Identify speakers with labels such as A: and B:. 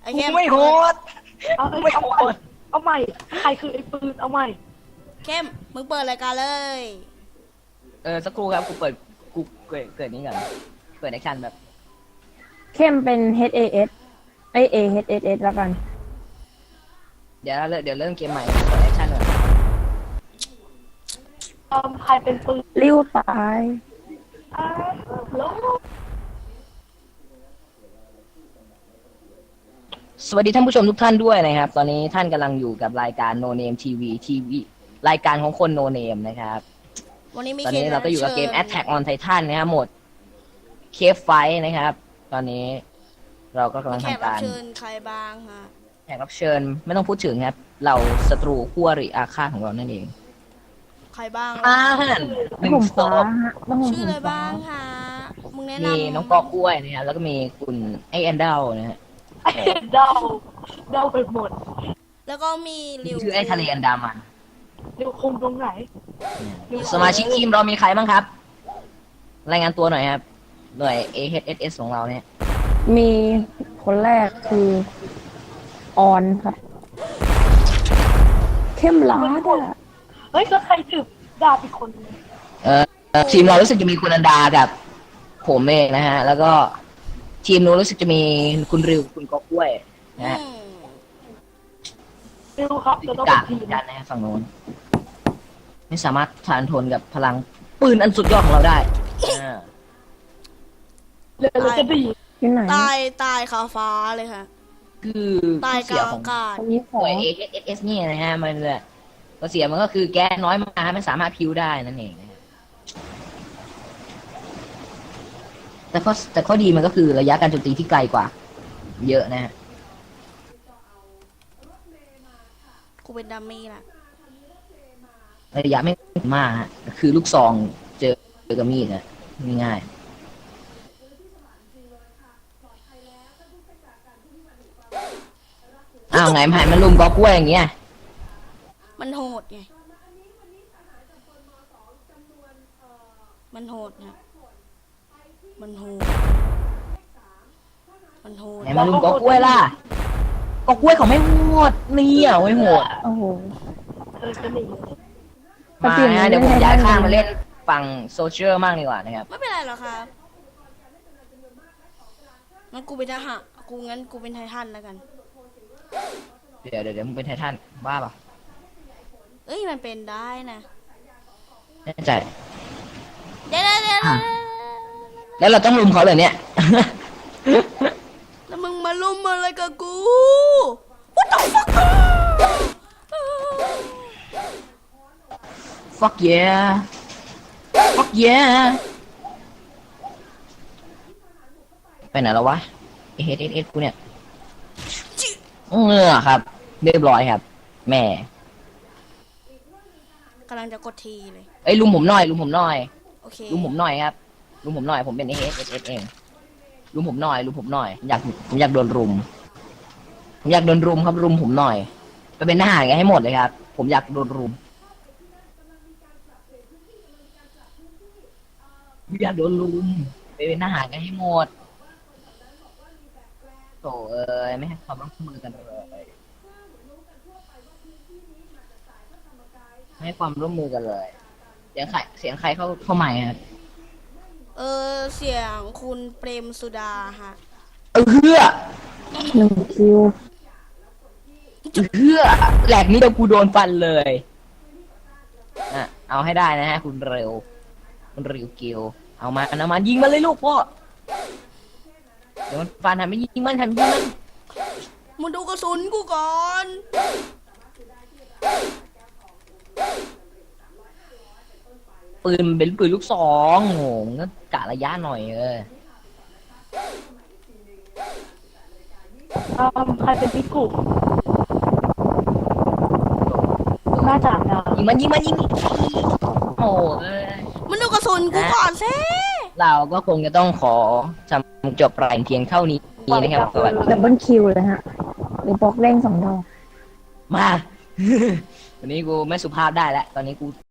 A: อ้เข้ม
B: ไม่โหด
C: เอา
B: ไม่โหด
C: เอาใหม่ใครคือไอ้ปืนเอาใหม่
A: เข้มมึงเปิดรายการเลย
B: สักครู่ครับกูเกิดนี้ก่อนเปิดแอคชั่นแบบ
D: เข้มเป็น HAS ไอ AHSS แล้วกัน
B: เดี๋ยวเริ่มเกมใหม่เปิดแอคชั่นก่อน
C: ใครเป็นปืน
D: ริ้วตาย
C: แล้ว
B: สวัสดีท่านผู้ชมทุกท่านด้วยนะครับตอนนี้ท่านกำลังอยู่กับรายการ No Name TV รายการของคน No Name นะครับ
A: วันนี้มี
B: ตอนนี้เราก็อยู่กับเกม Attack on Titan นะครับโหมด Cave Fight นะครับ ตอนนี้เราก็กำลัง
A: แขก
B: ทำ
A: รับ
B: การ
A: เชิญใครบ้างฮะ
B: แขกรับเชิญไม่ต้องพูดถึงครับ เราศัตรูคู่อริอาฆาตของเรานั่นเอง
A: ใครบ้าง
B: อ่าหนึ่ง
D: ผม
B: ศ
D: ฟ้า
B: พ
D: ฮะต้อง
A: ชื่ออะไร
D: ผมฟ้า
A: บ้างฮะมึงแนะนำ
B: มีน้องกอกล้วยนะครับแล้วก็มีคุณไอแอนเดลนะฮะ
C: เดาไปหมด
A: แล้วก็มีริว
B: ชื่อไอทะเลอันดามัน
C: เดี๋ยวคุมตรงไหน
B: สมาชิกทีมเรามีใครบ้างครับ รายงานตัวหน่อยครับ หน่วย AHSS ของเราเนี่ย
D: มีคนแรกคือออนครับ เข้มล้าดอ่ะ
C: เฮ้ยก็ใครถือดาบอีกคนนึง
B: ทีมเรารู้สึกจะมีคุณอันดากับผมเองนะฮะ แล้วก็ทีมนู้นรู้สึกจะมีคุณริวคุณกอกล้วยนะฮะ
C: ไม่รู้ครับจะต้อง
B: กา
C: เป็นทีม
B: กันนะฮะฝั่งโน้นไม่สามารถทานทนกับพลังปืนอันสุดยอดของเราได้อ่า
C: เลยจะดี
D: ที่ไหน
A: ตายคาฟ้าเลยค่ะ
B: คือ
A: ตาย
B: ข้อก เสีย
A: ลาง
B: ขอ
A: อาง กาศ
D: คนนี้ข
B: ห
D: อ
B: น่วย AHSS นี่นะฮะมันเนี่ยข้อเสียมันก็คือแก๊สน้อยมากไม่สามารถพิ้วได้นั่นเองนะฮะแต่ข้อดีมันก็คือระยะการโจมตีที่ไกลกว่า เยอะนะฮะ
A: กูเป็นดัมมี่ละ
B: ระยะไม่มากฮะคือลูกซองเจอกับมีดนะง่ายๆอ้าวไงมันลุมกอกล้วยอย่างเงี้ย
A: มันโหดไงมันโหดนะมันโหดมันโหด
B: ไหนมาลุมกอกล้วยล่ะกอกล้วยเขาไม่โหดนี่อ่ะไม่โหด
D: โอ้โห
C: จะหนี
B: มาฮะเดี๋ยวผมย้ายข้างมาเล่นฝั่งโซเชียลมากดีกว่านะครับ
A: ไม่เป็นไรหรอกครับงั้นกูเป็นทหารกูเป็นไททันแล้วกัน
B: เดี๋ยวมึงเป็นไททันบ้าป่ะ
A: เอ้ยมันเป็นได้นะ
B: แน่ใจ
A: เดี๋ยว
B: แล้วเราต้องลุมเขาเลยเนี่ย
A: แล้วมึงมาลุมอะไรกับกู What the fuck
B: fuck yeah fuck yeah ไปไหนแล้ววะ AHSS กูเนี่ยครับเรียบร้อยครับ แม่
A: กำลังจะกดทีเลย
B: เอ้ยลุมผมหน่อย
A: โอเค
B: ลุมผมหน่อยครับลุมผมหน่อยผมเป็น AHSS เองลุมผมหน่อยผมอยากโดนรุมครับรุมผมหน่อยไปเป็นทหารกันให้หมดเลยครับผมอยากโดนรุมอยากโดนรุมไปเป็นทหารกันให้หมดโถ่ไม่ให้ความร่วมมือกันเลยไม่ให้ความร่วมมือกันเลยเสียงใครเข้าใหม่ครับ
A: เสียงคุณเปรมสุดาฮะ
B: เฮือ
D: หนึ่งคิว
B: แหลกนี้เดี๋ยวกูโดนฟันเลยเอาให้ได้นะฮะคุณเร็วกิวเอามายิงมันเลยลูกพ่อเดี๋ยวมันฟันทำไม่ยิงมัน
A: มึงดูกระสุนกูก่อน
B: ปืนเป็นปืนลูกซองโหงก็กะระยะหน่อย
C: ใครเป็นพิกุน่าจะนะ
B: ยิงโอ้ย
A: มึงดูกระสุนกูก่อนสิ
B: เราก็คงจะต้องขอจำจบรายเพียงเท่านี้นะครับสวัสดี
D: ดับเบิลคิวเลยฮะหรือบล็อกเร่ง2 ดอก
B: มา วันนี้กูไม่สุภาพได้แล้วตอนนี้กู